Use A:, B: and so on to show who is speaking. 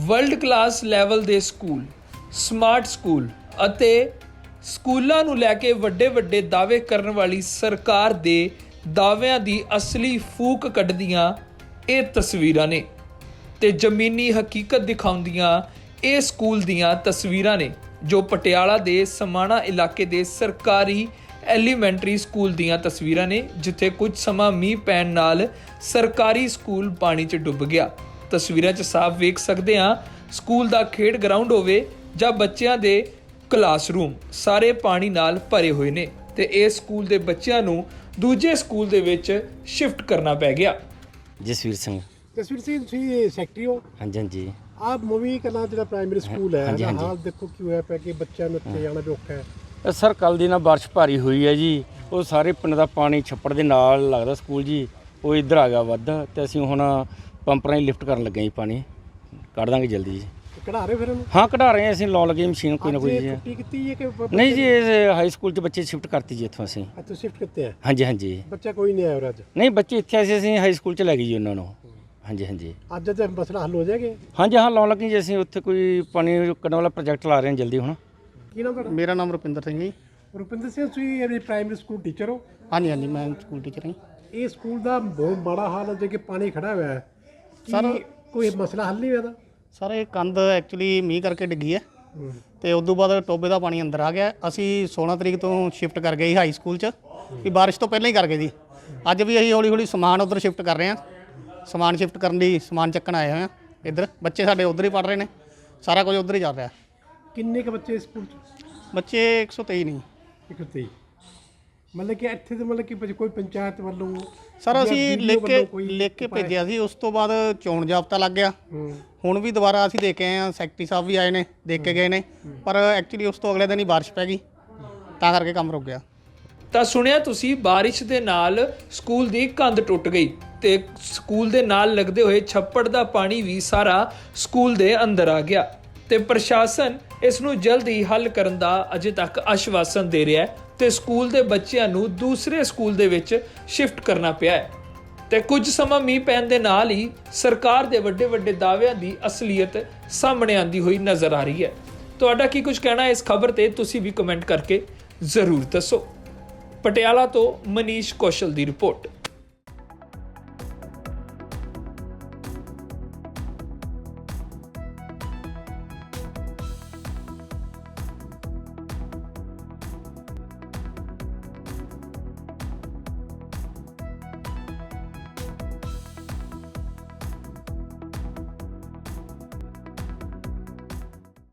A: World class level ਦੇ school, smart school ਅਤੇ ਸਕੂਲਾਂ ਨੂੰ ਲੈ ਕੇ ਵੱਡੇ ਦਾਅਵੇ ਕਰਨ ਵਾਲੀ ਸਰਕਾਰ ਦੇ ਦਾਅਵਿਆਂ ਦੀ ਅਸਲੀ ਫੂਕ ਕੱਢਦੀਆਂ ਇਹ ਤਸਵੀਰਾਂ ਨੇ ਤੇ ਜ਼ਮੀਨੀ ਹਕੀਕਤ ਦਿਖਾਉਂਦੀਆਂ ਇਹ ਸਕੂਲ ਦੀਆਂ ਤਸਵੀਰਾਂ ਨੇ ਜੋ ਪਟਿਆਲਾ ਦੇ ਸਮਾਣਾ ਇਲਾਕੇ ਦੇ ਸਰਕਾਰੀ ਐਲੀਮੈਂਟਰੀ ਸਕੂਲ ਦੀਆਂ ਤਸਵੀਰਾਂ ਨੇ ਜਿੱਥੇ ਕੁਝ ਸਮਾਂ ਮੀਂਹ ਪੈਣ ਨਾਲ ਸਰਕਾਰੀ ਸਕੂਲ ਪਾਣੀ 'ਚ ਡੁੱਬ ਗਿਆ। ਤਸਵੀਰਾਂ 'ਚ ਸਾਫ਼ ਵੇਖ ਸਕਦੇ ਹਾਂ ਸਕੂਲ ਦਾ ਖੇਡ ਗਰਾਊਂਡ ਹੋਵੇ ਜਾਂ ਬੱਚਿਆਂ ਦੇ ਕਲਾਸਰੂਮ ਸਾਰੇ ਪਾਣੀ ਨਾਲ ਭਰੇ ਹੋਏ ਨੇ ਤੇ ਇਸ ਸਕੂਲ ਦੇ ਬੱਚਿਆਂ ਨੂੰ ਦੂਜੇ ਸਕੂਲ ਦੇ ਵਿੱਚ ਸ਼ਿਫਟ ਕਰਨਾ ਪੈ ਗਿਆ।
B: ਜਸਵੀਰ ਸਿੰਘ
C: ਤੁਸੀਂ ਸੈਕਟਰੀ ਹੋ?
B: ਹਾਂਜੀ ਹਾਂਜੀ।
C: ਆਪ ਮੂਵੀ ਕਲਾਂ ਜਿਹੜਾ ਪ੍ਰਾਇਮਰੀ ਸਕੂਲ ਹੈ
B: ਹਾਂਜੀ, ਹਾਂਜੀ।
C: ਹਾਲ ਦੇਖੋ ਕੀ ਹੋਇਆ ਪਿਆ ਕਿ ਬੱਚਿਆਂ ਨੂੰ ਇੱਥੇ ਜਾਣਾ ਵੀ ਔਖਾ ਹੈ।
B: ਸਰ ਕੱਲ੍ਹ ਦੀ ਨਾ ਬਾਰਿਸ਼ ਭਾਰੀ ਹੋਈ ਹੈ ਜੀ, ਉਹ ਸਾਰੇ ਪਿੰਡ ਦਾ ਪਾਣੀ ਛੱਪੜ ਦੇ ਨਾਲ ਲੱਗਦਾ ਸਕੂਲ ਜੀ, ਉਹ ਇੱਧਰ ਆ ਗਿਆ ਵੱਧ ਤੇ ਅਸੀਂ ਹੁਣ ਪੰਪ ਰਾਹੀਂ ਲਿਫਟ ਕਰਨ ਲੱਗੇ ਜੀ, ਪਾਣੀ ਕੱਢ ਦਾਂਗੇ ਜਲਦੀ ਜੀ।
C: ਕਢਾ ਰਹੇ ਫਿਰ ਉਹਨੂੰ?
B: ਹਾਂ ਕਢਾ ਰਹੇ ਹਾਂ ਅਸੀਂ, ਲਾਉਣ ਲੱਗੇ ਮਸ਼ੀਨ ਕੋਈ ਨਾ ਕੋਈ ਜੀ।
C: ਛੁੱਟੀ ਕੀਤੀ ਹੈ ਕਿ
B: ਨਹੀਂ ਜੀ, ਇਹ ਹਾਈ ਸਕੂਲ 'ਚ ਬੱਚੇ ਸ਼ਿਫਟ ਕਰਤੀ ਜੀ ਇੱਥੋਂ ਅਸੀਂ।
C: ਅੱਛਾ ਸ਼ਿਫਟ ਕਿੱਥੇ ਹੈ?
B: ਹਾਂਜੀ ਹਾਂਜੀ।
C: ਬੱਚਾ ਕੋਈ ਨਹੀਂ ਆਇਆ ਅੱਜ?
B: ਨਹੀਂ ਬੱਚੇ ਇੱਥੇ ਆਏ ਸੀ, ਅਸੀਂ ਹਾਈ ਸਕੂਲ 'ਚ ਲੈ ਗਏ ਜੀ ਉਹਨਾਂ ਨੂੰ। ਹਾਂਜੀ ਹਾਂਜੀ।
C: ਅੱਜ ਤੇ ਮਸਲਾ ਹੱਲ ਹੋ ਜਾਏਗਾ?
B: ਹਾਂਜੀ ਹਾਂ, ਲਾਉਣ ਲੱਗੇ ਜੀ ਅਸੀਂ, ਉੱਥੇ ਕੋਈ ਪਾਣੀ ਕੱਢਣ ਵਾਲਾ ਪ੍ਰੋਜੈਕਟ ਲਾ ਰਹੇ ਹਾਂ ਜਲਦੀ ਹੁਣ।
C: ਕੀ ਨਾਮ ਤੁਹਾਡਾ?
D: ਮੇਰਾ ਨਾਮ ਰੁਪਿੰਦਰ ਸਿੰਘ ਜੀ।
C: ਰੁਪਿੰਦਰ ਸਿੰਘ, ਤੁਸੀਂ ਇਹ ਪ੍ਰਾਇਮਰੀ ਸਕੂਲ ਟੀਚਰ ਹੋ?
D: ਹਾਂਜੀ ਹਾਂਜੀ, ਮੈਂ ਸਕੂਲ ਟੀਚਰ ਹਾਂ।
C: ਇਹ ਸਕੂਲ ਦਾ ਬਹੁਤ ਮਾੜਾ ਹਾਲ ਹੈ ਜੇ ਕਿ ਪਾਣੀ ਖੜਾ ਹੋਇਆ ਹੈ।
D: ਸਰ
C: ਕੋਈ ਮਸਲਾ ਹੱਲ ਨਹੀਂ ਹੋਇਆ ਇਹਦਾ?
D: ਸਰ ਇਹ ਕੰਧ ਐਕਚੁਅਲੀ ਮੀਂਹ ਕਰਕੇ ਡਿੱਗੀ ਹੈ ਤੇ ਉਸ ਤੋਂ ਬਾਅਦ ਟੋਬੇ ਦਾ ਪਾਣੀ ਅੰਦਰ ਆ ਗਿਆ। ਅਸੀਂ 16 ਤਰੀਕ ਤੋਂ ਸ਼ਿਫਟ ਕਰ ਗਏ ਹਾਈ ਸਕੂਲ 'ਚ, ਕਿ ਬਾਰਿਸ਼ ਤੋਂ ਪਹਿਲਾਂ ਹੀ ਕਰ ਗਏ ਜੀ। ਅੱਜ ਵੀ ਅਸੀਂ ਹੌਲੀ ਸਮਾਨ ਉੱਧਰ ਸ਼ਿਫਟ ਕਰ ਰਹੇ ਹਾਂ। ਸਮਾਨ ਸ਼ਿਫਟ ਕਰਨ ਲਈ ਸਮਾਨ ਚੱਕਣ ਆਏ ਹੋਏ ਹਾਂ ਇੱਧਰ। ਬੱਚੇ ਸਾਡੇ ਉੱਧਰ ਹੀ ਪੜ੍ਹ ਰਹੇ ਨੇ, ਸਾਰਾ ਕੁਝ ਉੱਧਰ ਹੀ ਚੱਲ ਰਿਹਾ।
C: ਕਿੰਨੇ ਕੁ ਬੱਚੇ ਸਕੂਲ 'ਚ?
D: ਬੱਚੇ 123 ਨਹੀਂ।
C: 123 ਮਤਲਬ ਕਿ ਇੱਥੇ ਤੇ ਮਤਲਬ ਕਿ ਕੋਈ ਪੰਚਾਇਤ ਵੱਲੋਂ?
D: ਸਰ ਅਸੀਂ ਲਿਖ ਕੇ ਭੇਜਿਆ ਸੀ, ਉਸ ਤੋਂ ਬਾਅਦ ਚੋਣ ਜ਼ਾਬਤਾ ਲੱਗ ਗਿਆ। ਹੁਣ ਵੀ ਦੁਬਾਰਾ ਅਸੀਂ ਦੇਖ ਕੇ ਆਏ ਹਾਂ, ਸੈਕਟਰੀ ਸਾਹਿਬ ਵੀ ਆਏ ਨੇ, ਦੇਖ ਕੇ ਗਏ ਨੇ, ਪਰ ਐਕਚੁਅਲੀ ਉਸ ਤੋਂ ਅਗਲੇ ਦਿਨ ਹੀ ਬਾਰਿਸ਼ ਪੈ ਗਈ, ਤਾਂ ਕਰਕੇ ਕੰਮ ਰੁਕ ਗਿਆ।
A: ਤਾਂ ਸੁਣਿਆ ਤੁਸੀਂ, ਬਾਰਿਸ਼ ਦੇ ਨਾਲ ਸਕੂਲ ਦੀ ਕੰਧ ਟੁੱਟ ਗਈ ਤੇ ਸਕੂਲ ਦੇ ਨਾਲ ਲੱਗਦੇ ਹੋਏ ਛੱਪੜ ਦਾ ਪਾਣੀ ਵੀ ਸਾਰਾ ਸਕੂਲ ਦੇ ਅੰਦਰ ਆ ਗਿਆ ਤੇ ਪ੍ਰਸ਼ਾਸਨ ਇਸ ਨੂੰ ਜਲਦ ਹੀ ਹੱਲ ਕਰਨ ਦਾ ਅਜੇ ਤੱਕ ਆਸ਼ਵਾਸਨ ਦੇ ਰਿਹਾ ਹੈ ਤੇ ਸਕੂਲ ਦੇ ਬੱਚਿਆਂ ਨੂੰ ਦੂਸਰੇ ਸਕੂਲ ਦੇ ਵਿੱਚ ਸ਼ਿਫਟ ਕਰਨਾ ਪਿਆ ਹੈ ਤੇ ਕੁਝ ਸਮਾਂ ਮੀਂਹ ਪੈਣ ਦੇ ਨਾਲ ਹੀ ਸਰਕਾਰ ਦੇ ਵੱਡੇ ਦਾਅਵਿਆਂ ਦੀ ਅਸਲੀਅਤ ਸਾਹਮਣੇ ਆਉਂਦੀ ਹੋਈ ਨਜ਼ਰ ਆ ਰਹੀ ਹੈ। ਤੁਹਾਡਾ ਕੀ ਕੁਝ ਕਹਿਣਾ ਇਸ ਖਬਰ ਤੇ ਤੁਸੀਂ ਵੀ ਕਮੈਂਟ ਕਰਕੇ ਜ਼ਰੂਰ ਦੱਸੋ। ਪਟਿਆਲਾ ਤੋਂ ਮਨੀਸ਼ ਕੌਸ਼ਲ ਦੀ ਰਿਪੋਰਟ।